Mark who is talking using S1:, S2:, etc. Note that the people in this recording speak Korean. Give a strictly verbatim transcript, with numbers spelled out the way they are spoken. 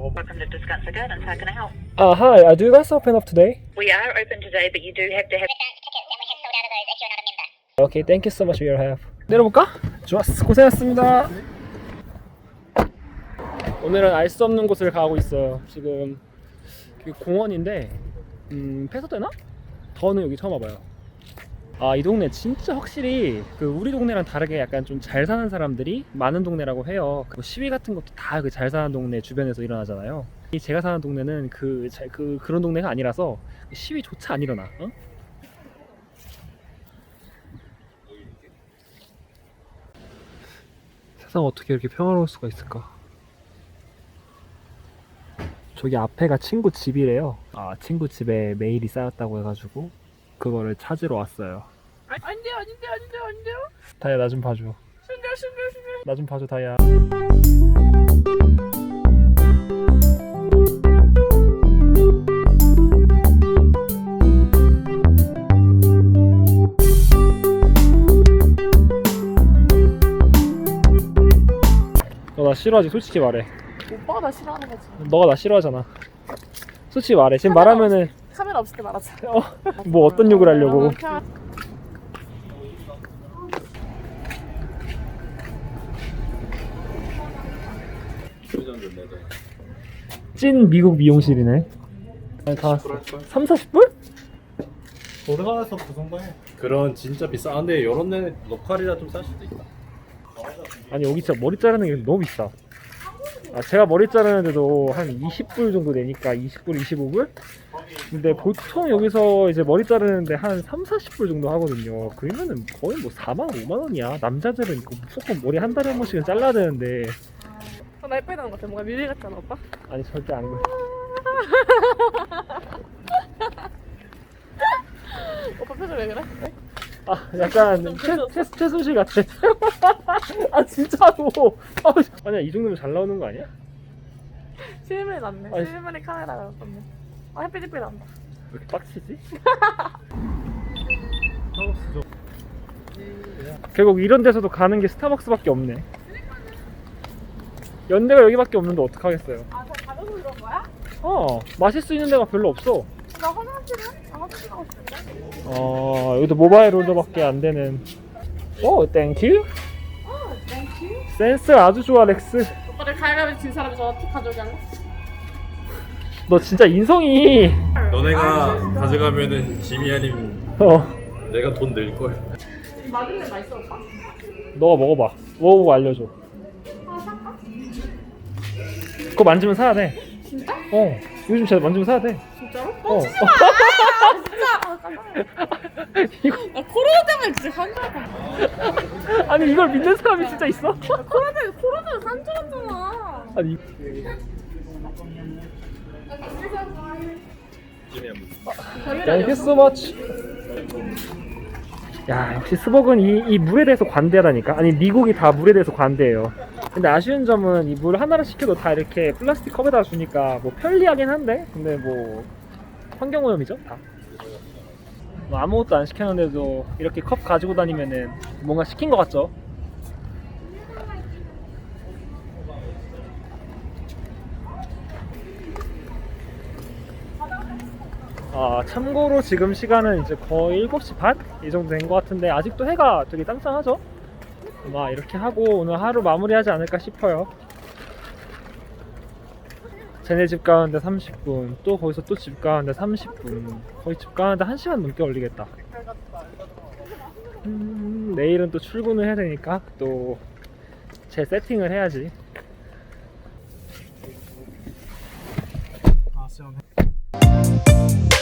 S1: 먹어.
S2: Welcome to Descansa Gardens. How can I help?
S1: Uh, hi, uh, do you guys open up today?
S2: We are open today, but you do have to have.
S1: Okay, thank you so much for your help. 내려볼까? 좋았어, 고생하셨습니다. 오늘은 알 수 없는 곳을 가고 있어요. 지금 공원인데 음, 폐쇄되나? 더는 여기 처음 와봐요. 아, 이 동네 진짜 확실히 그 우리 동네랑 다르게 약간 좀 잘 사는 사람들이 많은 동네라고 해요. 그 시위 같은 것도 다 그 잘 사는 동네 주변에서 일어나잖아요. 이 제가 사는 동네는 그, 잘, 그 그런 동네가 아니라서 시위조차 안 일어나. 어? 세상 어떻게 이렇게 평화로울 수가 있을까? 저기 앞에가 친구 집이래요. 아, 친구 집에 메일이 쌓였다고 해가지고 그거를 찾으러 왔어요.
S3: 아, 아닌데요, 아닌데요, 아닌데요, 아닌데요.
S1: 다이야, 나 좀 봐줘.
S3: 신기해, 신기해, 신기해.
S1: 나 좀 봐줘, 다이야. 너 나 싫어하지? 솔직히 말해.
S3: 오빠가 나 싫어하는 거지.
S1: 너가 나 싫어하잖아. 솔직히 말해. 지금
S3: 카메라
S1: 말하면은
S3: 카메라 없을 때 말하자.
S1: 어, 뭐 어떤 욕을 하려고. 찐 미국 미용실이네. 아니, 다 왔어. 삼, 사십 불?
S4: 돌아가서 그 정도 해. 그런 진짜 비싸. 아, 근데 이런 데는 로컬이라 좀 쌀 수도 있다.
S1: 아니, 여기 진짜 머리 자르는 게 너무 비싸. 아, 제가 머리 자르는데도 한 이십 불 정도 내니까 이십 불, 이십오 불? 근데 보통 여기서 이제 머리 자르는데 한 삼, 사십 불 정도 하거든요. 그러면은 거의 뭐 사만, 오만 원이야. 남자들은 이거 무조건 머리 한 달에 한 번씩은 잘라야 되는데.
S3: 어, 나 예쁘게 나는 것 같아. 뭔가 미래 같잖아, 오빠.
S1: 아니, 절대 안 그래.
S3: 오빠 표정 왜 그래?
S1: 아, 약간 최, 최, 최순실 같아. 아, 진짜로. 아, 아니야, 이 정도면 잘 나오는 거 아니야?
S3: 실물이 낫네.
S1: 아니,
S3: 실물이 카메라가 낫네. 아, 햇빛 햇빛 난다.
S1: 왜 이렇게 빡치지? 결국 이런 데서도 가는 게 스타벅스밖에 없네. 연대가 여기밖에 없는데 어떡하겠어요.
S3: 아, 저 가져서 그런 거야?
S1: 어, 마실 수 있는 데가 별로 없어.
S3: 나 화장실은? 아, 화장실 가고 싶은데?
S1: 어, 여기도 모바일 오더밖에 안 되는. 오, 땡큐.
S3: 어, 땡큐.
S1: 센스 아주 좋아, 렉스.
S3: 오빠를 가위바위보 진 사람이 저 티 가져오게 할래?
S1: 너 진짜 인성이.
S4: 너네가 가져가면은 짐이 아니면
S1: 어,
S4: 내가 돈 낼 걸.
S3: 맞은 데 맛있어, 오빠?
S1: 너가 먹어봐. 먹어보고 알려줘.
S3: 하나 살까?
S1: 그거 만지면 사야 돼.
S3: 진짜?
S1: 어, 요즘 진짜 만지면 사야 돼.
S3: 진짜로?
S1: 어.
S3: 진짜! 아, 깜짝이야.
S1: 이거
S3: 나 코로나 때문에 진짜 산줄
S1: 아니 이걸 믿는 사람이 진짜 있어?
S3: 코로나 때문에 코로나 때문에 산줄 알았잖아.
S1: 아니 Thank you so much. 야, 역시 스벅은 이, 이 물에 대해서 관대하다니까. 아니, 미국이 다 물에 대해서 관대해요. 근데 아쉬운 점은 이 물 하나를 시켜도 다 이렇게 플라스틱 컵에다 주니까 뭐 편리하긴 한데, 근데 뭐 환경오염이죠 다. 뭐 아무것도 안 시켰는데도 이렇게 컵 가지고 다니면은 뭔가 시킨 것 같죠? 아, 참고로 지금 시간은 이제 거의 일곱 시 반? 이 정도 된 것 같은데 아직도 해가 되게 짱짱하죠? 아마 이렇게 하고 오늘 하루 마무리하지 않을까 싶어요. 쟤네 집 가는데 삼십 분, 또 거기서 또 집 가는데 삼십 분, 거의 집 가는데 한 시간 넘게 걸리겠다. 음, 내일은 또 출근을 해야 되니까 또 제 세팅을 해야지.
S4: 아, 시원해.